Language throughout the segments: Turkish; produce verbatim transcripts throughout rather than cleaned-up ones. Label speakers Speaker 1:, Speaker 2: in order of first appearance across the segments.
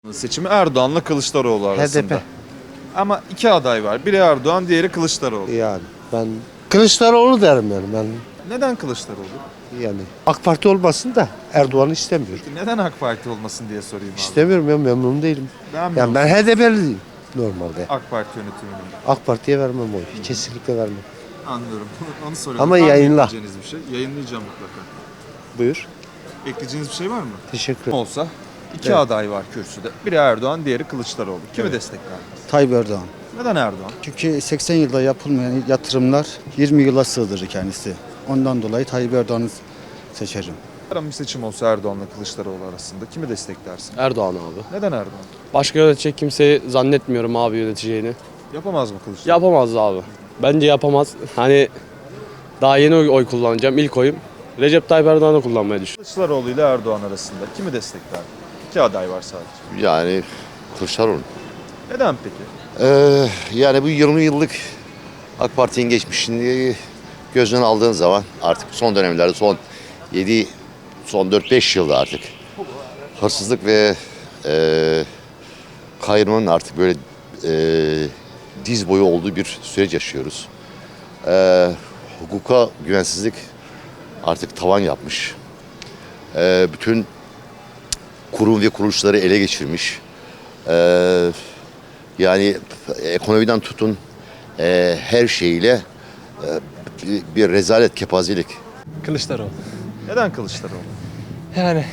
Speaker 1: Seçimi Erdoğan'la Kılıçdaroğlu arasında.
Speaker 2: H D P.
Speaker 1: Ama iki aday var. Biri Erdoğan, diğeri Kılıçdaroğlu.
Speaker 2: Yani ben Kılıçdaroğlu derim yani ben.
Speaker 1: Neden Kılıçdaroğlu?
Speaker 2: Yani AK Parti olmasın da Erdoğan'ı istemiyorum.
Speaker 1: Neden AK Parti olmasın diye sorayım abi.
Speaker 2: İstemiyorum, ben memnun değilim.
Speaker 1: Ben
Speaker 2: Yani ben H D P'liyim normalde.
Speaker 1: AK Parti yönetiminin.
Speaker 2: AK Parti'ye vermem oy. Kesinlikle vermem.
Speaker 1: Anlıyorum. Onu soruyorum.
Speaker 2: Ama
Speaker 1: Var mı
Speaker 2: yayınla.
Speaker 1: ekleyeceğiniz bir şey? Yayınlayacağım mutlaka.
Speaker 2: Buyur.
Speaker 1: Ekleyeceğiniz bir şey var mı?
Speaker 2: Teşekkür ederim.
Speaker 1: Olsa iki
Speaker 2: Evet.
Speaker 1: aday var kürsüde. Biri Erdoğan, diğeri Kılıçdaroğlu. Kimi destekler?
Speaker 3: Tayyip Erdoğan.
Speaker 1: Neden Erdoğan?
Speaker 3: Çünkü seksen yılda yapılmayan yatırımlar yirmi yıla sığdırır kendisi. Ondan dolayı Tayyip Erdoğan'ı seçerim.
Speaker 1: Yarın bir seçim olsa Erdoğan'la Kılıçdaroğlu arasında kimi desteklersin?
Speaker 4: Erdoğan abi.
Speaker 1: Neden Erdoğan?
Speaker 4: Başka yönetecek kimseyi zannetmiyorum abi yöneteceğini.
Speaker 1: Yapamaz mı Kılıçdaroğlu?
Speaker 4: Yapamaz abi. Bence yapamaz. Hani daha yeni oy, oy kullanacağım. İlk oyum Recep Tayyip Erdoğan'ı kullanmayı düşünüyorum.
Speaker 1: Kılıçdaroğlu ile Erdoğan arasında kimi destekler? İki aday var sadece.
Speaker 5: Yani Kılıçdaroğlu.
Speaker 1: Neden peki?
Speaker 5: Ee, yani bu yirmi yıllık AK Parti'nin geçmişini gözden aldığın zaman artık son dönemlerde son yedi, son dört beş yılda artık hırsızlık ve e, kayırmanın artık böyle e, diz boyu olduğu bir süreç yaşıyoruz. E, hukuka güvensizlik artık tavan yapmış. E, bütün kurum ve kuruluşları ele geçirmiş. E, Yani ekonomiden tutun e, her şeyiyle e, bir, bir rezalet, kepazelik.
Speaker 6: Kılıçdaroğlu.
Speaker 1: Neden Kılıçdaroğlu?
Speaker 6: Yani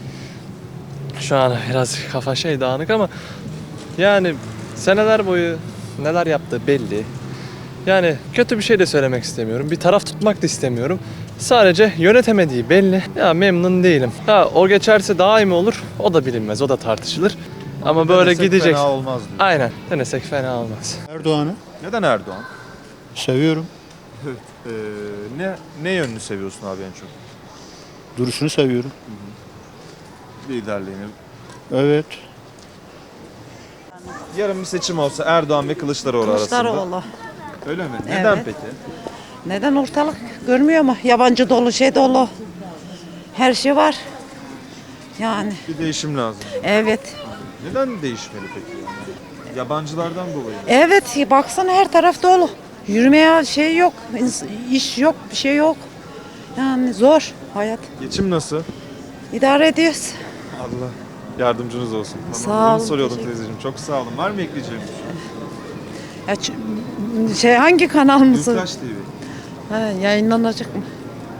Speaker 6: şu an biraz kafa şey dağınık ama yani seneler boyu neler yaptığı belli. Yani kötü bir şey de söylemek istemiyorum. Bir taraf tutmak da istemiyorum. Sadece yönetemediği belli. Ya memnun değilim. Ha o geçerse daha iyi mi olur? O da bilinmez. O da tartışılır. Ama böyle
Speaker 1: Denesek
Speaker 6: gidecek.
Speaker 1: Fena olmaz diyor.
Speaker 6: Aynen. Denesek fena olmaz.
Speaker 7: Erdoğan'ı
Speaker 1: Neden Erdoğan?
Speaker 7: seviyorum.
Speaker 1: Ee, ne ne yönünü seviyorsun abi en çok?
Speaker 7: Duruşunu seviyorum.
Speaker 1: Liderliğini.
Speaker 7: Evet.
Speaker 1: Yarın bir seçim olsa Erdoğan ve Kılıçdaroğlu, arasında.
Speaker 8: Kılıçdaroğlu.
Speaker 1: Öyle mi? Neden
Speaker 8: Evet.
Speaker 1: peki?
Speaker 8: Neden ortalık görmüyor mu? Yabancı dolu, şey dolu. Her şey var. Yani
Speaker 1: Bir değişim lazım.
Speaker 8: evet.
Speaker 1: Neden değişmeli peki? Yani? Yabancılardan dolayı mı?
Speaker 8: Evet baksana her taraf dolu. Yürümeye şey yok, ins- iş yok, bir şey yok. Yani zor hayat.
Speaker 1: Geçim nasıl?
Speaker 8: İdare ediyoruz.
Speaker 1: Allah yardımcınız olsun. Tamam.
Speaker 8: Sağ
Speaker 1: Bunu
Speaker 8: olun,
Speaker 1: soruyordum
Speaker 8: teşekkür-
Speaker 1: teyzeciğim. Çok sağ olun. Var mı ekleyeceğim?
Speaker 8: Ya, ç- şey hangi kanal mısın?
Speaker 1: Gültaş T V.
Speaker 8: Ha, yayınlanacak mı?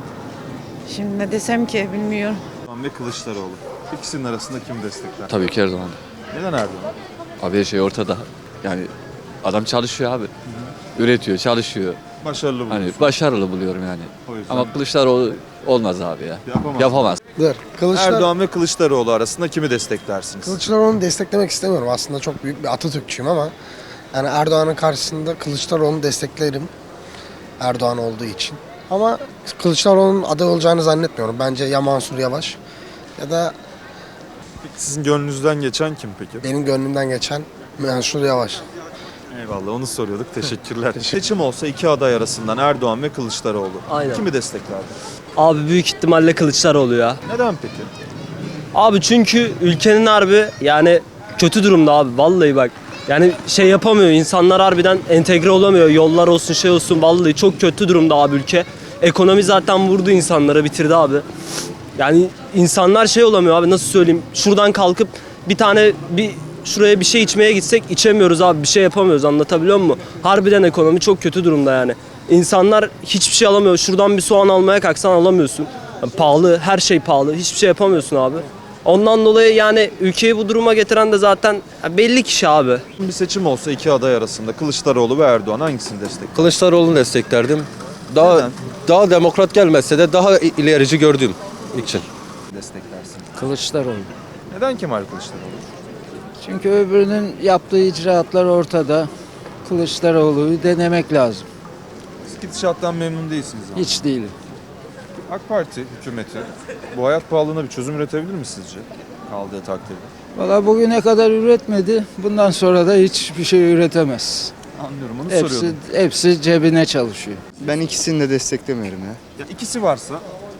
Speaker 8: Şimdi ne desem ki bilmiyorum.
Speaker 1: Erdoğan ve Kılıçdaroğlu. İkisinin arasında kim destekler?
Speaker 9: Tabii ki Erdoğan.
Speaker 1: Neden Erdoğan?
Speaker 9: Abi her şey ortada. Yani adam çalışıyor abi. Üretiyor, çalışıyor.
Speaker 1: Başarılı
Speaker 9: Hani
Speaker 1: buluyorsun.
Speaker 9: başarılı buluyorum yani.
Speaker 1: O yüzden
Speaker 9: Ama Kılıçdaroğlu olmaz abi ya.
Speaker 1: Yapamaz.
Speaker 9: Yapamaz.
Speaker 10: Kılıçlar,
Speaker 1: Erdoğan ve Kılıçdaroğlu arasında kimi desteklersiniz?
Speaker 10: Kılıçdaroğlu'nu desteklemek istemiyorum. Aslında çok büyük bir Atatürkçüyüm ama yani Erdoğan'ın karşısında Kılıçdaroğlu'nu desteklerim. Erdoğan olduğu için. Ama Kılıçdaroğlu'nun aday olacağını zannetmiyorum. Bence ya Mansur Yavaş ya da
Speaker 1: Peki sizin gönlünüzden geçen kim peki?
Speaker 10: benim gönlümden geçen Mansur Yavaş.
Speaker 1: Eyvallah onu soruyorduk. Teşekkürler. Seçim olsa iki aday arasından Erdoğan ve Kılıçdaroğlu.
Speaker 11: Aynen.
Speaker 1: Kimi desteklerdi?
Speaker 11: Abi büyük ihtimalle Kılıçdaroğlu ya.
Speaker 1: Neden peki?
Speaker 11: Abi çünkü ülkenin harbi yani kötü durumda abi vallahi bak. Yani şey yapamıyor insanlar harbiden entegre olamıyor. Yollar olsun şey olsun vallahi çok kötü durumda abi ülke. Ekonomi zaten vurdu insanları bitirdi abi. Yani insanlar şey olamıyor abi nasıl söyleyeyim. Şuradan kalkıp bir tane bir şuraya bir şey içmeye gitsek içemiyoruz abi bir şey yapamıyoruz anlatabiliyor muyum? Harbiden ekonomi çok kötü durumda yani. İnsanlar hiçbir şey alamıyor. Şuradan bir soğan almaya kalksan alamıyorsun. Yani pahalı, her şey pahalı. Hiçbir şey yapamıyorsun abi. Ondan dolayı yani ülkeyi bu duruma getiren de zaten belli kişi abi.
Speaker 1: Bir seçim olsa iki aday arasında Kılıçdaroğlu ve Erdoğan hangisini destekler?
Speaker 12: Kılıçdaroğlu'nu desteklerdim. Daha
Speaker 1: Neden?
Speaker 12: daha demokrat gelmezse de daha ilerici gördüğüm için.
Speaker 1: Desteklersin.
Speaker 13: Kılıçdaroğlu.
Speaker 1: Neden Kemal Kılıçdaroğlu?
Speaker 13: Çünkü öbürünün yaptığı icraatlar ortada. Kılıçdaroğlu'yu denemek lazım.
Speaker 1: Siz gidişattan memnun değilsiniz ama.
Speaker 13: Hiç değilim.
Speaker 1: AK Parti hükümeti bu hayat pahalılığına bir çözüm üretebilir mi sizce? Kaldığı takdirde.
Speaker 13: Valla bugüne kadar üretmedi. Bundan sonra da hiçbir şey üretemez.
Speaker 1: Anlıyorum onu
Speaker 13: Hepsi,
Speaker 1: soruyordum.
Speaker 13: hepsi cebine çalışıyor.
Speaker 3: Ben ikisini de desteklemiyorum ya.
Speaker 1: Ya ikisi varsa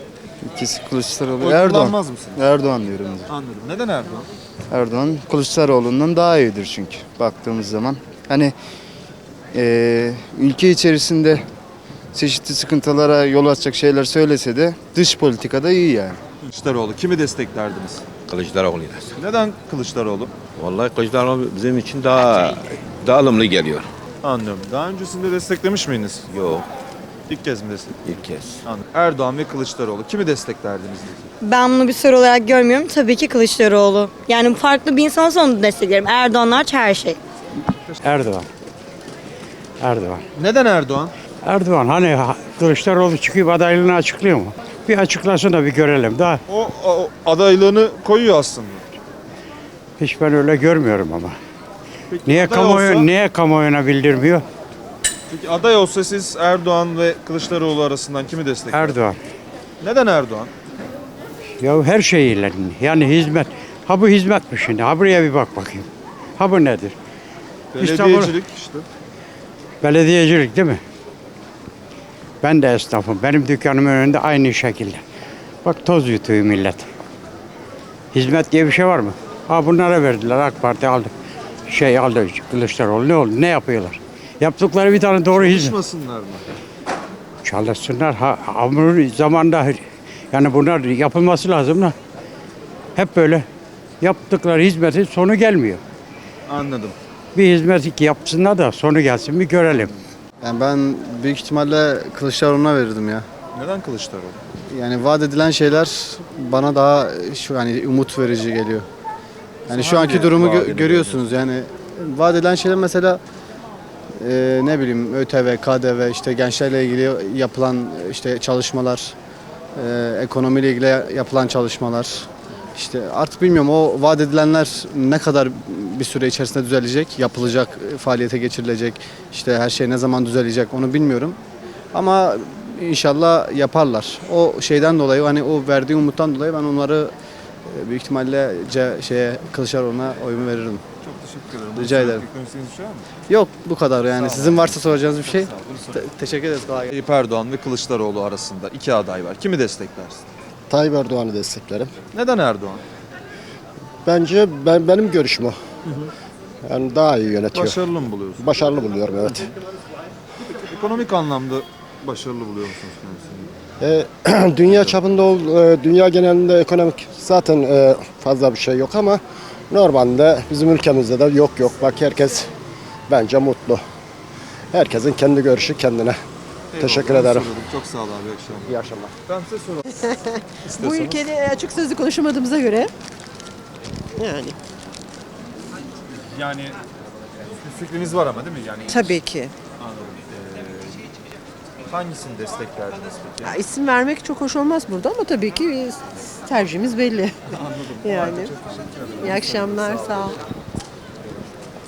Speaker 3: İkisi Kılıçdaroğlu.
Speaker 1: Oy
Speaker 3: Erdoğan.
Speaker 1: kullanmaz mısın?
Speaker 3: Erdoğan diyorum.
Speaker 1: Anladım. Neden Erdoğan?
Speaker 3: Erdoğan Kılıçdaroğlu'ndan daha iyidir çünkü baktığımız zaman. Hani eee, ülke içerisinde çeşitli sıkıntılara yol açacak şeyler söylese de dış politikada iyi yani.
Speaker 1: Kılıçdaroğlu. Kimi desteklerdiniz?
Speaker 12: Kılıçdaroğlu.
Speaker 1: Neden Kılıçdaroğlu?
Speaker 12: Vallahi Kılıçdaroğlu bizim için daha daha ılımlı geliyor.
Speaker 1: Anlıyorum. Daha öncesinde desteklemiş miydiniz?
Speaker 12: Yok,
Speaker 1: İlk kez mi destek?
Speaker 12: ilk kez.
Speaker 1: Anladım. Erdoğan ve Kılıçdaroğlu. Kimi desteklerdiniz?
Speaker 14: Ben bunu bir soru olarak görmüyorum. Tabii ki Kılıçdaroğlu. Yani farklı bir insan olsa onu desteklerim. Erdoğan hariç her şey.
Speaker 2: Erdoğan. Erdoğan.
Speaker 1: Neden Erdoğan?
Speaker 2: Erdoğan hani ha- Kılıçdaroğlu çıkıp adaylığını açıklıyor mu? Bir açıklasın da bir görelim. Daha
Speaker 1: O, o adaylığını koyuyor aslında.
Speaker 2: hiç ben öyle görmüyorum ama.
Speaker 1: Peki
Speaker 2: Niye
Speaker 1: aday
Speaker 2: kamuoyu
Speaker 1: olsa,
Speaker 2: niye kamuoyuna bildirmiyor?
Speaker 1: peki aday olsa siz Erdoğan ve Kılıçdaroğlu arasından kimi desteklersiniz?
Speaker 2: Erdoğan.
Speaker 1: Neden Erdoğan?
Speaker 2: Ya her şeyiyle yani hizmet. Ha bu hizmet mi şimdi? Ha buraya bir bak bakayım. Ha bu nedir?
Speaker 1: Belediyecilik işte.
Speaker 2: Belediyecilik değil mi? Ben de esnafım. Benim dükkanımın önünde aynı şekilde. Bak toz yutuyor millet. Hizmet diye bir şey var mı? Ha bunlara verdiler. AK Parti aldı. Şey aldı Kılıçdaroğlu. Ne oldu? Ne yapıyorlar? Yaptıkları bir tane doğru hizmet.
Speaker 1: Çalışmasınlar mı?
Speaker 2: Çalışsınlar. Ha, hamurun zamanında yani bunlar yapılması lazım da. Hep böyle yaptıkları hizmetin sonu gelmiyor.
Speaker 1: Anladım.
Speaker 2: Bir hizmet yapsınlar da sonu gelsin bir görelim.
Speaker 3: Yani ben büyük ihtimalle Kılıçdaroğlu'na verirdim ya.
Speaker 1: Neden Kılıçdaroğlu?
Speaker 3: Yani vaat edilen şeyler bana daha şu yani umut verici geliyor. Yani
Speaker 1: Sen
Speaker 3: şu anki
Speaker 1: hangi
Speaker 3: durumu gö-
Speaker 1: vaadini
Speaker 3: görüyorsunuz yani vaat edilen şeyler mesela e, ne bileyim ÖTV, K D V işte gençlerle ilgili yapılan işte çalışmalar, e, ekonomiyle ilgili yapılan çalışmalar. İşte artık bilmiyorum o vaat edilenler ne kadar bir süre içerisinde düzelecek, yapılacak, faaliyete geçirilecek, işte her şey ne zaman düzelecek onu bilmiyorum. Ama inşallah yaparlar. O şeyden dolayı hani o verdiği umuttan dolayı ben onları e, büyük ihtimalle C, şeye Kılıçdaroğlu'na oyumu veririm.
Speaker 1: Çok teşekkür ederim.
Speaker 3: Rica ederim.
Speaker 1: Eklemek istediğiniz bir şey var mı?
Speaker 3: Yok bu kadar yani. Sizin varsa soracağınız bir şey.
Speaker 1: Sağ olun.
Speaker 3: Te- teşekkür ederiz. Kolay gelsin.
Speaker 1: Tayyip Erdoğan ve Kılıçdaroğlu arasında iki aday var. Kimi desteklersin?
Speaker 10: Tayyip Erdoğan'ı desteklerim.
Speaker 1: Neden Erdoğan?
Speaker 10: Bence ben benim görüşüm o. Yani daha iyi yönetiyor.
Speaker 1: Başarılı mı buluyorsun?
Speaker 10: Başarılı buluyorum evet.
Speaker 1: Ekonomik anlamda başarılı buluyor musunuz kendisini?
Speaker 10: E, dünya çapında, ol- e, dünya genelinde ekonomik zaten e, fazla bir şey yok ama normalde bizim ülkemizde de yok yok. Bak herkes bence mutlu. Herkesin kendi görüşü kendine. Teşekkür
Speaker 1: Eyvallah,
Speaker 10: ederim.
Speaker 1: soruyordum. Çok sağ ol abi. İyi akşamlar.
Speaker 10: İyi akşamlar.
Speaker 1: Ben size soralım.
Speaker 8: Bu
Speaker 1: İstiyorsanız.
Speaker 8: ülkede açık sözlü konuşamadığımıza göre yani
Speaker 1: Yani bir fikriniz var ama değil mi? Yani
Speaker 8: tabii ki.
Speaker 1: Anladım. Ee, hangisini desteklerdiniz peki?
Speaker 8: Ya, isim vermek çok hoş olmaz burada ama tabii ki tercihimiz belli.
Speaker 1: Anladım.
Speaker 8: Yani. İyi akşamlar, sağ ol.